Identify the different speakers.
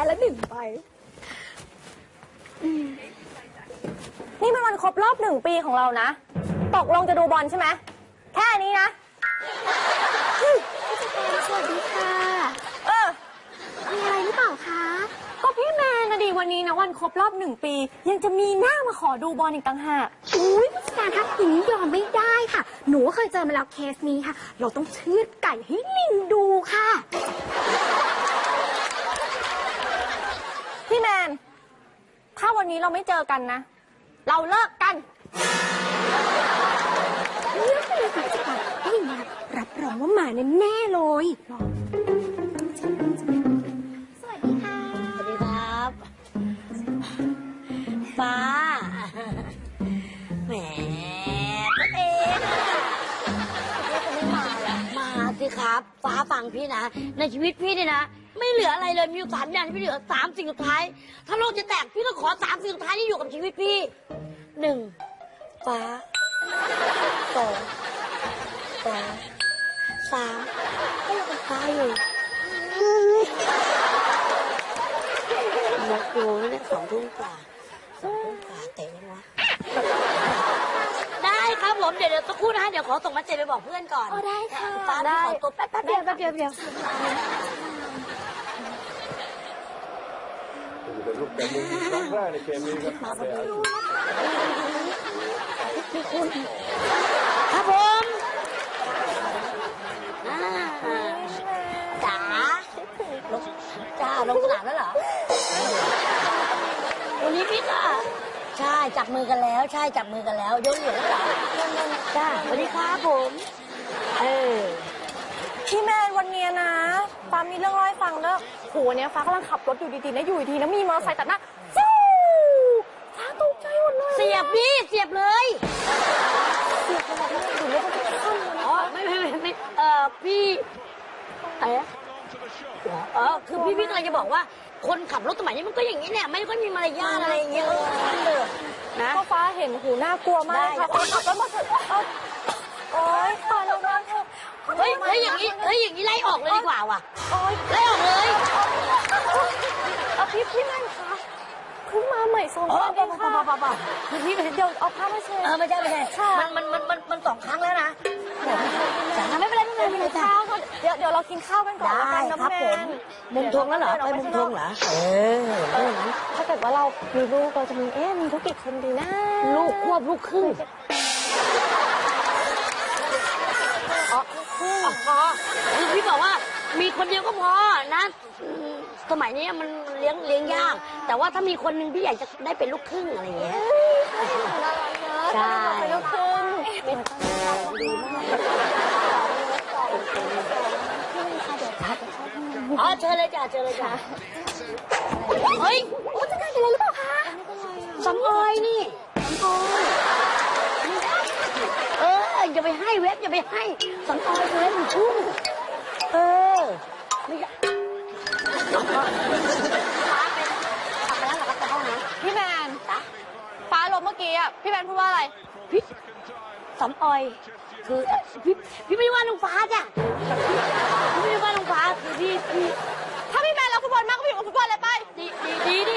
Speaker 1: ละ1 ใบ
Speaker 2: นี่มันวันครบรอบ1 ปีของเรานะตกลงจะดูบอลใช่ไหมแค่นี้นะ
Speaker 1: สวัสดีค่ะมีอะไรหรือเปล่าคะ
Speaker 2: ก็พี่แมนนะดิวันนี้นะวันครบรอบ1 ปียังจะมีหน้ามาขอดูบอลอีกต่างหาก
Speaker 1: อุ้ยผู้จัดการคะอย่างนี้ยอมไม่ได้ค่ะหนูเคยเจอมาแล้วเคสนี้ค่ะเราต้องเชือดไก่ให้ลิงดูค่ะ
Speaker 2: พี่แมนถ้าวันนี้เราไม่เจอกันนะเราเลิกกัน
Speaker 1: เลือกไปเลยผู้จัดการถ้าอย่างนี้รับรองว่ามาแน่ๆเลยสวัสดีค่ะ
Speaker 3: สวัสดีครับฟ้าแหมตัวเองมาสิครับฟ้าฟังพี่นะในชีวิตพี่เนี่ยนะไม่เหลืออะไรเลยมีอยู่3 อย่างที่พี่เหลือ3 สิ่งสุดท้ายถ้าโลกจะแตกพี่ก็ขอ3 สิ่งสุดท้ายที่อยู่กับชีวิตพี่ 1. ฟ้า 2. 3. ก็ยังเป็นฟ้าอยู่นกดูเนี่ย2 ทุ่มกว่าเตะยังวะได้ครับผมเดี๋ยวสักครู่นะเดี๋ยวขอส่งมาเจไปบอกเพื่อนก่อน
Speaker 1: ได้ค่ะ
Speaker 3: ฟ้าได้ขอตัวแป๊บเดียว
Speaker 2: เป็น
Speaker 4: ลูกแต่มุมครั้งแรกในเกมนี้ครับ
Speaker 3: ครับผมจ๋าลงสนามแล้วเหรอวันนี้พี่ก็ใช่จับมือกันแล้วใช่จับมือกันแล้วยกเหรียญแล้วเหรอจ้าสวัสดีครับผม
Speaker 2: พี่แมนวันนี้นะฟ้ามีเรื่องเล่าให้ฟังแล้วโหวันนี้ฟ้ากำลังขับรถอยู่ดีๆนะอยู่ดีๆนะมีมอเตอร์ไซค์ตัดหน้าฟูฟ้าตกใจหมดเลย
Speaker 3: เสียบพี่เสียบเลย
Speaker 2: เสียบขนาดนี้อยู่แล้วก็จะขั้นเลย
Speaker 3: อ๋อไม่พี่อะไรคือพี่กำลังจะบอกว่าคนขับรถสมัยนี้มันก็อย่างนี้เนี่ยไม่ค่อยมีมารยาทอะไรอย่างเงี้ย
Speaker 2: นะก็ฟ้าเห็นหูน่ากลัวมากค่ะคนขับรถมาเถอะโอ๊ยตายแล้วนะ
Speaker 3: เฮ้ยอย่างนี้ไล่ออกเลยดีกว่าว่ะไล่ออกเลย
Speaker 2: พี่แม่คะเพิ่งมาใหม่2 วันเองค่ะพี่เดี๋ยวเอาผ้ามาเช็ด
Speaker 3: ไม่ใช่มัน2 ครั้งแล้วนะไม่เป็นไร
Speaker 2: ข้าวเดี๋ยวเรากินข้าวกันก่อน
Speaker 3: ได้ครับผมมุมทงแล้วเหรอไปมุมทงเหรอ
Speaker 2: ถ้าเกิดว่าเรามีลูกเราจะมีมีลูกกี่คนดีนะ
Speaker 3: ลูกควบลูกครึ่งพี่บอกว่ามีคนเดียวก็พอนะสมัยนี้มันเลี้ยงยากแต่ว่าถ้ามีคนนึงพี่อยากจะได้เป็นลูกครึ่งอะไรอย่างเงี้ย
Speaker 2: ใช่เป็นลูกครึ่ง
Speaker 3: ดีมากเชิญเลยจ้ะเฮ้ย
Speaker 1: ผู้จัดการเป็นอะไรหรือเปล่าคะ
Speaker 3: สำออยนี่อย่าไปให้เว็บอย่าไปให้สำออยเลยมันชุ่มไม่
Speaker 2: พี่แมนฟ้าลมเมื่อกี้อ่ะพี่แมนพูดว่าอะไร
Speaker 3: พี่สำออยคือพี่ไม่ว่าน้องฟ้าจ้ะพี่ไม่ว่าน้องฟ้าคือพี่
Speaker 2: ถ้าพี่แมนรักฟุตบอลมากก็ไปอยู่กับฟุตบอลเลยไป
Speaker 3: ดี